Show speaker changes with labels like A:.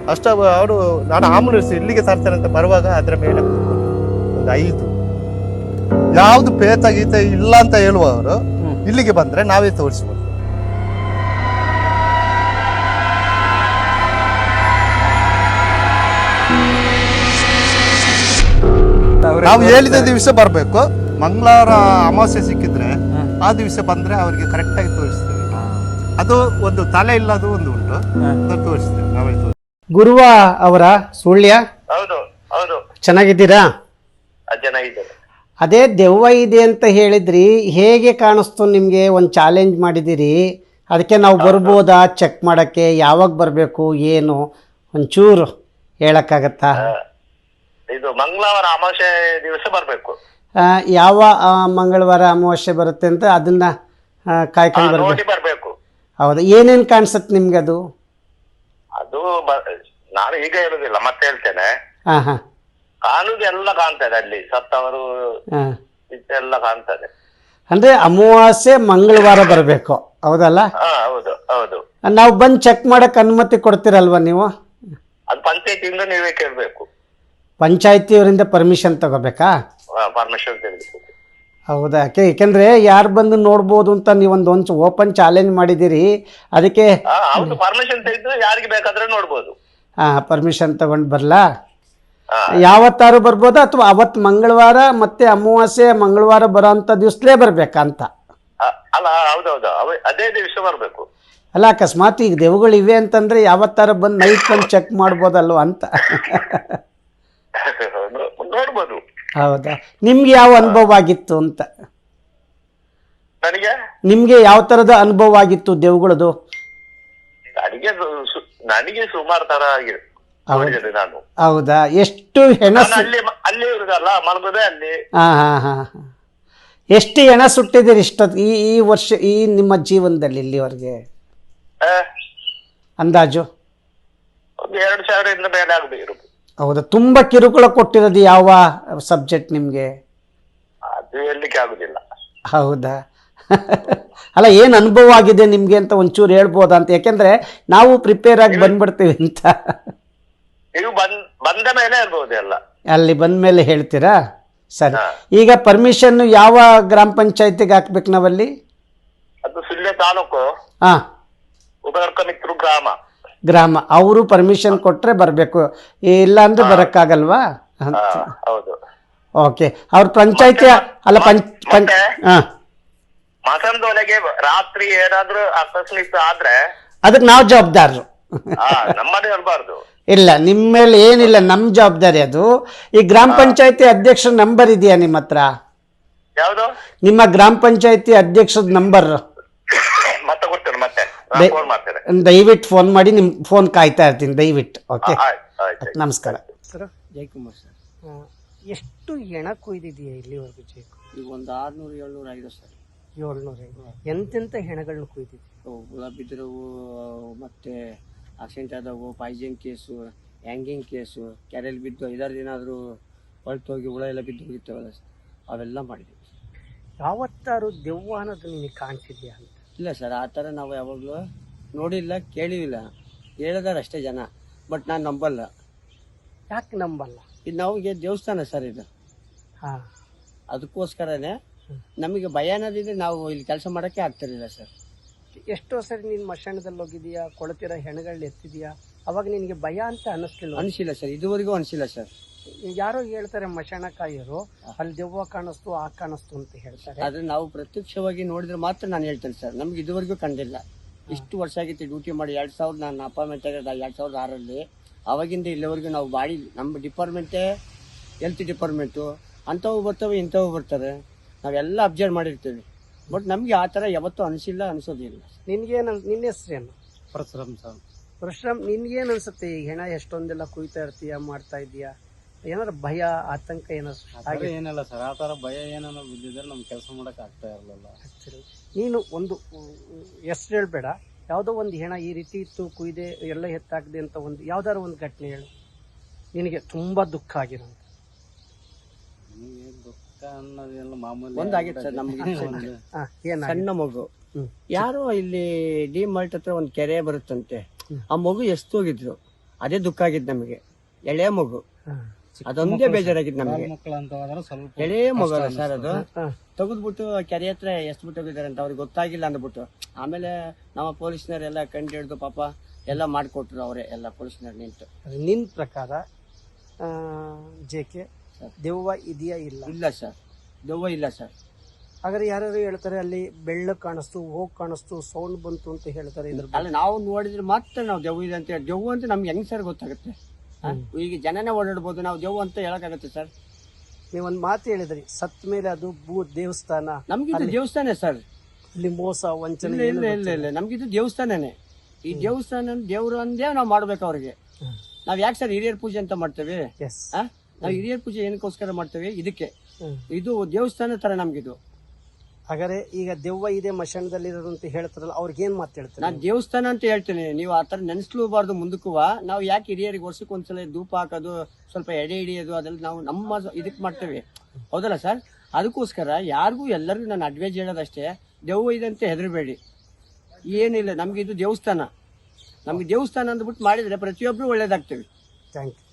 A: ಅಷ್ಟ ಅವರು ನಾನು ಆಂಬುಲೆನ್ಸ್ ಇಲ್ಲಿಗೆ ತರ್ತೇನೆ ಅಂತ ಬರುವಾಗ ಅದರ ಮೇಲೆ ಒಂದು 5 ಯಾವ್ದು ಪೇತ ಗೀತೆ ಇಲ್ಲ ಅಂತ ಹೇಳುವವರು ಇಲ್ಲಿಗೆ ಬಂದ್ರೆ ನಾವೇ ತೋರಿಸ್ಬೋದು. ನಾವು ಹೇಳಿದ ದಿವಸ ಬರ್ಬೇಕು. ಮಂಗಳವಾರ ಅಮಾವಾಸ್ಯೆ ಸಿಕ್ಕಿದ್ರೆ ಆ ದಿವಸ ಬಂದ್ರೆ ಅವರಿಗೆ ಕರೆಕ್ಟ್ ಆಗಿ ತೋರಿಸ್ತೇವೆ. ಅದು ಒಂದು ತಲೆ ಇಲ್ಲದು ಒಂದು ಉಂಟು, ಅದನ್ನು ತೋರಿಸ್ತೇವೆ ನಾವೇ.
B: ಗುರುವ ಅವರ ಸುಳ್ಯ,
C: ಹೌದು ಹೌದು,
B: ಚೆನ್ನಾಗಿದ್ದೀರಾ?
C: ಚೆನ್ನಾಗಿದ್ದಾರೆ.
B: ಅದೇ ದೆವ್ವ ಇದೆ ಅಂತ ಹೇಳಿದ್ರಿ, ಹೇಗೆ ಕಾಣಿಸ್ತು ನಿಮಗೆ? ಒಂದು ಚಾಲೆಂಜ್ ಮಾಡಿದ್ದೀರಿ, ಅದಕ್ಕೆ ನಾವು ಬರ್ಬೋದಾ ಚೆಕ್ ಮಾಡೋಕ್ಕೆ? ಯಾವಾಗ ಬರಬೇಕು ಏನು ಒಂಚೂರು ಹೇಳಕ್ಕಾಗತ್ತಾ?
C: ಇದು ಮಂಗಳವಾರ ಅಮಾವಾಸ್ಯೆ ದಿವಸ ಬರ್ಬೇಕು.
B: ಯಾವ ಮಂಗಳವಾರ ಅಮಾವಾಸ್ಯೆ ಬರುತ್ತೆ ಅಂತ ಅದನ್ನ ಕಾಯ್ಕೊಂಡು
C: ಬರ್ಬೇಕು.
B: ಹೌದಾ? ಏನೇನು ಕಾಣಿಸುತ್ತೆ ನಿಮ್ಗೆ ಅದು?
C: ಅದು ನಾನು ಈಗ ಹೇಳುದಿಲ್ಲ, ಮತ್ತೆ ಹೇಳ್ತೇನೆ.
B: ಹಾಂ ಹಾಂ,
C: ಕಾಣುದೆಲ್ಲ ಕಾಣ್ತದೆ ಅಲ್ಲಿ, ಸತ್ತವರು ಎಲ್ಲ ಕಾಣ್ತದೆ.
B: ಅಂದ್ರೆ ಅಮಾವಾಸ್ಯೆ ಮಂಗಳವಾರ ಬರಬೇಕು, ಹೌದಲ್ಲ?
C: ಹೌದು ಹೌದು.
B: ನಾವು ಬಂದು ಚೆಕ್ ಮಾಡಕ್ ಅನುಮತಿ ಕೊಡ್ತೀರಲ್ವಾ ನೀವು?
C: ಅದು ಪಂಚಾಯತಿಯಿಂದ ನೀವೇ ಕೇಳ್ಬೇಕು.
B: ಪಂಚಾಯತಿಯವರಿಂದ ಪರ್ಮಿಷನ್ ತಗೋಬೇಕಾ?
C: ಪರ್ಮಿಷನ್ ತೆಗೆದುಬೇಕು.
B: ಹೌದಾ? ಯಾಕೆಂದ್ರೆ ಯಾರು ಬಂದು ನೋಡ್ಬೋದು ಅಂತ ನೀವೊಂದು ಓಪನ್ ಚಾಲೆಂಜ್ ಮಾಡಿದ್ದೀರಿ, ಅದಕ್ಕೆ.
C: ಹೌದು, ಪರ್ಮಿಷನ್ ತೆಗೆದು ಯಾರಿಗೆ ಬೇಕಾದ್ರೆ ನೋಡ್ಬೋದು.
B: ಪರ್ಮಿಷನ್ ತಗೊಂಡು ಬರಲಾ? ಯಾವತ್ತಾರು ಬರ್ಬೋದಾ ಅಥವಾ ಅವತ್ತು ಮಂಗಳವಾರ ಮತ್ತೆ ಅಮಾವಾಸ್ಯೆ ಮಂಗಳವಾರ ಬರೋ ಅಂಥ ದಿವಸಲೇ ಬರ್ಬೇಕಾ ಅಂತ?
C: ಅಲ್ಲ, ಹೌದೌದು, ಅದೇ ದಿವಸ ಬರ್ಬೇಕು.
B: ಅಲ್ಲ, ಅಕಸ್ಮಾತ್ ಈಗ ದೆವ್ವಗಳು ಇವೆ ಅಂತಂದ್ರೆ ಯಾವತ್ತಾರು ಬಂದು ನೈಟ್ ಬಂದು ಚೆಕ್ ಮಾಡ್ಬೋದಲ್ವ ಅಂತ.
C: ನೋಡ್ಬೋದು.
B: ಹೌದಾ? ನಿಮ್ಗೆ ಯಾವ ಅನುಭವ ಆಗಿತ್ತು ಅಂತ?
C: ನನಗೆ
B: ಯಾವ ತರದ ಅನುಭವ ಆಗಿತ್ತು ದೆವ್ವಗಳದು?
C: ನನಗೆ ಸುಮಾರು ತರ ಆಗಿದೆ. ನಾನು
B: ಹೌದಾ? ಎಷ್ಟು ಹೆಣ
C: ಅಲ್ಲಿ ಇರುದಲ್ಲ, ಮಲಗುದೇ ಅಲ್ಲಿ.
B: ಎಷ್ಟು ಹೆಣ ಸುಟ್ಟಿದ್ದೀರಿ ಈ ವರ್ಷ, ಈ ನಿಮ್ಮ ಜೀವನದಲ್ಲಿ ಇಲ್ಲಿವರೆಗೆ ಅಂದಾಜು?
C: ಒಂದು 2,000 ಮೇಲೆ ಆಗಬೇಕು.
B: ಹೌದಾ? ತುಂಬಾ ಕಿರುಕುಳ ಕೊಟ್ಟಿರೋದು ಯಾವ ಸಬ್ಜೆಕ್ಟ್ ನಿಮ್ಗೆ?
C: ಅದು ಹೇಳಲಿಕ್ಕೆ ಆಗುದಿಲ್ಲ.
B: ಹೌದಾ? ಅಲ್ಲ, ಏನು ಅನುಭವ ಆಗಿದೆ ನಿಮ್ಗೆ ಅಂತ ಒಂಚೂರು ಹೇಳ್ಬೋದಾ ಅಂತ? ಯಾಕೆಂದ್ರೆ ನಾವು ಪ್ರಿಪೇರ್ ಆಗಿ ಬಂದ್ಬಿಡ್ತೀವಿ ಅಂತ.
C: ನೀವು ಬಂದ ಮೇಲೆ ಇರ್ಬೋದು ಎಲ್ಲ. ಅಲ್ಲಿ
B: ಬಂದ ಮೇಲೆ ಹೇಳ್ತೀರಾ? ಸರಿ. ಈಗ ಪರ್ಮಿಷನ್ ಯಾವ ಗ್ರಾಮ ಪಂಚಾಯತಿಗೆ ಹಾಕ್ಬೇಕು ನಾವಲ್ಲಿ?
C: ಅದು ಸುಳ್ಯ ತಾಲೂಕು, ಉಪಕರ್ಕಮಿತ್ರು ಗ್ರಾಮ.
B: ಅವರು ಪರ್ಮಿಷನ್ ಕೊಟ್ರೆ ಬರಬೇಕು, ಇಲ್ಲ ಅಂದ್ರೆ ಬರಕ್ಕಾಗಲ್ವಾ?
C: ಹೌದು.
B: ಓಕೆ. ಅವ್ರ ಪಂಚಾಯತಿ ಅಲ್ಲ
C: ಮಸಂದೊಳಗೆ ರಾತ್ರಿ ಏನಾದ್ರೂ ಆಕಸ್ಮಿಕ ಆದ್ರೆ
B: ಅದಕ್ಕೆ ನಾವು ಜವಾಬ್ದಾರರು.
C: ನಮ್ಮದೇ ಇರಬಾರ್ದು.
B: ಇಲ್ಲ, ನಿಮ್ಮ ಮೇಲೆ ಏನಿಲ್ಲ, ನಮ್ಮ ಜವಾಬ್ದಾರಿ ಅದು. ಈ ಗ್ರಾಮ ಪಂಚಾಯತಿ ಅಧ್ಯಕ್ಷರ ನಂಬರ್ ಇದೆಯಾ ನಿಮ್ಮ ಹತ್ರ?
C: ಯಾವುದು?
B: ನಿಮ್ಮ ಗ್ರಾಮ ಪಂಚಾಯತಿ ಅಧ್ಯಕ್ಷದ ನಂಬರ್
C: ಮತ್ತೆ ಕೊಡ್ತೇನೆ, ಮತ್ತೆ ಫೋನ್ ಮಾಡ್ತೇನೆ.
B: ದಯವಿಟ್ಟು ಫೋನ್ ಮಾಡಿ, ನಿಮ್ ಫೋನ್ ಕಾಯ್ತಾ ಇರ್ತೀನಿ ದಯವಿಟ್ಟು. ಓಕೆ, ನಮಸ್ಕಾರ. Sir,
D: Jayakumar sir.
B: ಎಷ್ಟು ಹೆಣ ಕೊಯ್ದಿದೆಯಾ ಇಲ್ಲಿವರೆಗೂ ಜಯಕು?
D: ಈಗ ಒಂದು 600-700 ಆಗಿದೆ ಸರ್.
B: 700. ಎಂತೆಂಥ ಹೆಣಗಳನ್ನ ಕೊಯ್ದಿದೆ?
D: ಹುಳ ಬಿದ್ದಿರೋವು, ಮತ್ತೆ ಆಕ್ಸಿಡೆಂಟ್ ಆದವು, ಪಾಯ್ಸನ್ ಕೇಸು, ಹ್ಯಾಂಗಿಂಗ್ ಕೇಸು, ಕೆರೆಯಲ್ಲಿ ಬಿದ್ದು 5-6 ದಿನ ಆದರೂ ಹೊರಟು ಹೋಗಿ ಹುಳ ಎಲ್ಲ ಬಿದ್ದು ಹೋಗಿರ್ತೇವಲ್ಲ ಸರ್, ಅವೆಲ್ಲ ಮಾಡಿದ್ದೀವಿ.
B: ಯಾವತ್ತಾರು ದೆವ್ವ ಅನ್ನೋದು ನಿನಗೆ ಕಾಣಿಸಿದ್ಯಾ ಅಂತ?
D: ಇಲ್ಲ ಸರ್, ಆ ಥರ ನಾವು ಯಾವಾಗಲೂ ನೋಡಿಲ್ಲ, ಕೇಳಿಲ್ಲ. ಹೇಳಿದಾರೆ ಅಷ್ಟೇ ಜನ, ಬಟ್ ನಾನು ನಂಬಲ್ಲ.
B: ಯಾಕೆ ನಂಬಲ್ಲ?
D: ಇದು ನಮಗೆ ದೇವಸ್ಥಾನ ಸರ್ ಇದು. ಅದಕ್ಕೋಸ್ಕರನೇ ನಮಗೆ ಭಯ ಅನ್ನೋದಿದ್ರೆ ನಾವು ಇಲ್ಲಿ ಕೆಲಸ ಮಾಡೋಕ್ಕೆ ಆಗ್ತಿರಲಿಲ್ಲ ಸರ್.
B: ಎಷ್ಟೋ ಸರಿ ನೀನು ಮಶಾಣದಲ್ಲಿ ಹೋಗಿದೀಯಾ, ಕೊಳತಿರೋ ಹೆಣಗಳನ್ನ ಎತ್ತಿದೀಯಾ, ಅವಾಗ ನಿನಗೆ ಭಯ ಅಂತ ಅನ್ನಿಸ್ಲಿಲ್ಲ?
D: ಅನಿಸಿಲ್ಲ ಸರ್, ಇದುವರೆಗೂ ಅನಿಸಿಲ್ಲ ಸರ್.
B: ಯಾರೋ ಹೇಳ್ತಾರೆ ಮಶಾಣಕಾಯರು ಅಲ್ಲಿ ದೆವ್ವ ಕಾಣಿಸ್ತು, ಆ ಕಾಣಿಸ್ತು ಅಂತ ಹೇಳ್ತಾರೆ.
D: ಆದ್ರೆ ನಾವು ಪ್ರತ್ಯಕ್ಷವಾಗಿ ನೋಡಿದ್ರೆ ಮಾತ್ರ ನಾನು ಹೇಳ್ತೇನೆ ಸರ್, ನಮ್ಗೆ ಇದುವರೆಗೂ ಕಂಡಿಲ್ಲ. ಇಷ್ಟು ವರ್ಷ ಆಗಿತ್ತು ಡ್ಯೂಟಿ ಮಾಡಿ. 2000 ನಾನು ಅಪಾಯಿಂಟ್ಮೆಂಟ್ ಆಗಿದ್ದ 2006ರಲ್ಲಿ. ಅವಾಗಿಂದ ಇಲ್ಲಿವರೆಗೂ ನಾವು ಬಾಡಿ, ನಮ್ಮ ಡಿಪಾರ್ಟ್ಮೆಂಟೇ ಹೆಲ್ತ್ ಡಿಪಾರ್ಟ್ಮೆಂಟು, ಅಂಥವು ಬರ್ತವೆ ಇಂಥವು ಬರ್ತಾರೆ, ನಾವೆಲ್ಲ ಅಬ್ಸರ್ವ್ ಮಾಡಿರ್ತೀವಿ. ಬಟ್ ನಮಗೆ ಆ ಥರ ಯಾವತ್ತೂ ಅನಿಸಿಲ್ಲ, ಅನಿಸೋದಿಲ್ಲ.
B: ನಿನ್ಗೇನು, ನಿನ್ನ ಹೆಸರೇನು?
D: ಪರಶುರಾಮ್ ಸರ್.
B: ಪರಶುರಾಮ್, ನಿನ್ಗೇನು ಅನ್ಸುತ್ತೆ? ಈಗ ಹೆಣ ಎಷ್ಟೊಂದೆಲ್ಲ ಕುಯ್ತಾ ಇರ್ತೀಯ, ಮಾಡ್ತಾ ಇದೀಯಾ, ಏನಾದ್ರು ಭಯ ಆತಂಕ ಏನಾದ್ರು?
E: ಏನಿಲ್ಲ ಸರ್, ಆ ಥರ ಭಯ ಏನಾದ್ರು ಬಿದ್ದಿದ್ರೆ ನಮ್ಗೆ ಕೆಲಸ ಮಾಡಕ್ ಆಗ್ತಾ ಇರಲಿಲ್ಲ.
B: ನೀನು ಒಂದು ಹೆಸರು ಹೇಳ್ಬೇಡ, ಯಾವುದೋ ಒಂದು ಹೆಣ ಈ ರೀತಿ ಇತ್ತು, ಕುಯ್ದೆ ಎಲ್ಲ ಎತ್ತಾಗದೆ ಅಂತ ಒಂದು ಯಾವ್ದಾದ್ರು ಒಂದು ಘಟನೆ ಹೇಳು, ನಿನಗೆ ತುಂಬಾ ದುಃಖ ಆಗಿರೋದು.
E: ದುಃಖ ಅನ್ನೋದೆಲ್ಲ ಮಾಮೂಲಿ
D: ಒಂದಾಗಿತ್ತು ಸರ್ ನಮ್ಗೆ. ಸಣ್ಣ ಮಗು ಯಾರೋ ಇಲ್ಲಿ ಡಿ ಮಾರ್ಟ್ ಹತ್ರ ಒಂದು ಕೆರೆ ಬರುತ್ತಂತೆ, ಆ ಮಗು ಎಸ್ತೋಗಿದ್ರು. ಅದೇ ದುಃಖ ಆಗಿದ್ದು ನಮಗೆ. ಎಳೆ ಮಗು, ಅದೊಂದೇ ಬೇಜಾರಾಗಿದ್ದು ನಮಗೆ.
E: ಮಕ್ಕಳು ಅಂತ ಹೋದ್ರೆ ಸ್ವಲ್ಪ
D: ಎಳೆ ಮಗು ಅಲ್ಲ ಸರ್, ಅದು ತೆಗೆದ್ಬಿಟ್ಟು ಕೆರೆ ಹತ್ರ ಎಷ್ಟು ತೆಗಿದಾರೆ ಅಂತ ಅವ್ರಿಗೆ ಗೊತ್ತಾಗಿಲ್ಲ ಅಂದ್ಬಿಟ್ಟು ಆಮೇಲೆ ನಮ್ಮ ಪೊಲೀಸ್ನವರೆಲ್ಲ ಕಂಡು ಹಿಡಿದು ಪಾಪ ಎಲ್ಲ ಮಾಡಿಕೊಟ್ರು ಅವರೇ, ಎಲ್ಲ ಪೊಲೀಸ್ನವ್ರು ನಿಂತು.
B: ನಿನ್ನ ಪ್ರಕಾರ ಜೆ ಕೆ ದೆವ್ವ ಇದೆಯಾ ಇಲ್ಲ?
D: ಇಲ್ಲ ಸರ್, ದೆವ್ವ ಇಲ್ಲ ಸರ್.
B: ಹಾಗಾದ್ರೆ ಯಾರ್ಯಾರು ಹೇಳ್ತಾರೆ ಅಲ್ಲಿ ಬೆಳ್ಳಕ್ ಕಾಣಿಸ್ತು, ಹೋಗ್ ಕಾಣಿಸ್ತು, ಸೌಂಡ್ ಬಂತು ಅಂತ ಹೇಳ್ತಾರೆ. ಇದ್ರ
D: ಅಲ್ಲ, ನಾವು ನೋಡಿದ್ರೆ ಮಾತ್ರ ನಾವು ದೆವ್ವ ಇದೆ ಅಂತ ಹೇಳಿ. ದೆವ್ವ ಅಂತ ನಮ್ಗೆ ಹೆಂಗ್ ಸರ್ ಗೊತ್ತಾಗುತ್ತೆ? ಈಗ ಜನನೇ ಓಡಾಡ್ಬೋದು, ನಾವು ದೆವ್ವ ಅಂತ ಹೇಳಕ್ಕಾಗತ್ತೆ ಸರ್?
B: ನೀವೊಂದ್ ಮಾತು ಹೇಳಿದ್ರಿ, ಸತ್ ಮೇಲೆ ಅದು ದೇವಸ್ಥಾನ.
D: ನಮ್ಗಿದು ದೇವಸ್ಥಾನ ಸರ್,
B: ಇಲ್ಲಿ ಮೋಸ ವಂಚನೆ
D: ಇಲ್ಲ ಇಲ್ಲ ಇಲ್ಲ ಇಲ್ಲ, ನಮ್ಗಿದು ದೇವಸ್ಥಾನನೇ. ಈ ದೇವಸ್ಥಾನ ದೇವ್ರು ಅಂದೇ ನಾವು ಮಾಡ್ಬೇಕು ಅವ್ರಿಗೆ. ನಾವ್ ಯಾಕೆ ಸರ್ ಹಿರಿಯರ್ ಪೂಜೆ ಅಂತ ಮಾಡ್ತೇವೆ?
B: ಎಸ್,
D: ನಾವು ಹಿರಿಯರ್ ಪೂಜೆ ಏನಕ್ಕೋಸ್ಕರ ಮಾಡ್ತೇವೆ? ಇದಕ್ಕೆ. ಇದು ದೇವಸ್ಥಾನ ತರ ನಮ್ಗಿದು.
B: ಹಾಗಾದ್ರೆ ಈಗ ದೆವ್ವ ಇದೆ ಮಶಾನದಲ್ಲಿ ಇರೋದು ಅಂತ ಹೇಳ್ತಾರಲ್ಲ, ಅವ್ರಿಗೆ ಏನ್ ಮಾತು ಹೇಳ್ತಾರೆ?
D: ನಾನ್ ದೇವಸ್ಥಾನ ಅಂತ ಹೇಳ್ತೀನಿ, ನೀವು ಆತರ ನೆನ್ಸ್ಲೂಬಾರ್ದು ಮುಂದಕ್ಕೂ. ನಾವು ಯಾಕೆ ಹಿರಿಯರಿಗೆ ವರ್ಷಕ್ಕೆ ಒಂದ್ಸಲ ಧೂಪ ಹಾಕೋದು, ಸ್ವಲ್ಪ ಎಡೆ ಹಿಡಿಯೋದು, ಅದೆಲ್ಲ ನಾವು ನಮ್ಮ ಇದಕ್ ಮಾಡ್ತೇವೆ, ಹೌದಲ್ಲ ಸರ್? ಅದಕ್ಕೋಸ್ಕರ ಯಾರಿಗೂ ಎಲ್ಲರಿಗೂ ನಾನು ಅಡ್ವೈಸ್ ಹೇಳೋದಷ್ಟೇ, ದೆವ್ವ ಇದೆ ಅಂತ ಹೆದರಬೇಡಿ, ಏನಿಲ್ಲ. ನಮ್ಗೆ ಇದು ದೇವಸ್ಥಾನ, ನಮ್ಗೆ ದೇವಸ್ಥಾನ ಅಂದ್ಬಿಟ್ಟು ಮಾಡಿದ್ರೆ ಪ್ರತಿಯೊಬ್ರು ಒಳ್ಳೇದಾಗ್ತೇವೆ.
B: Thank you.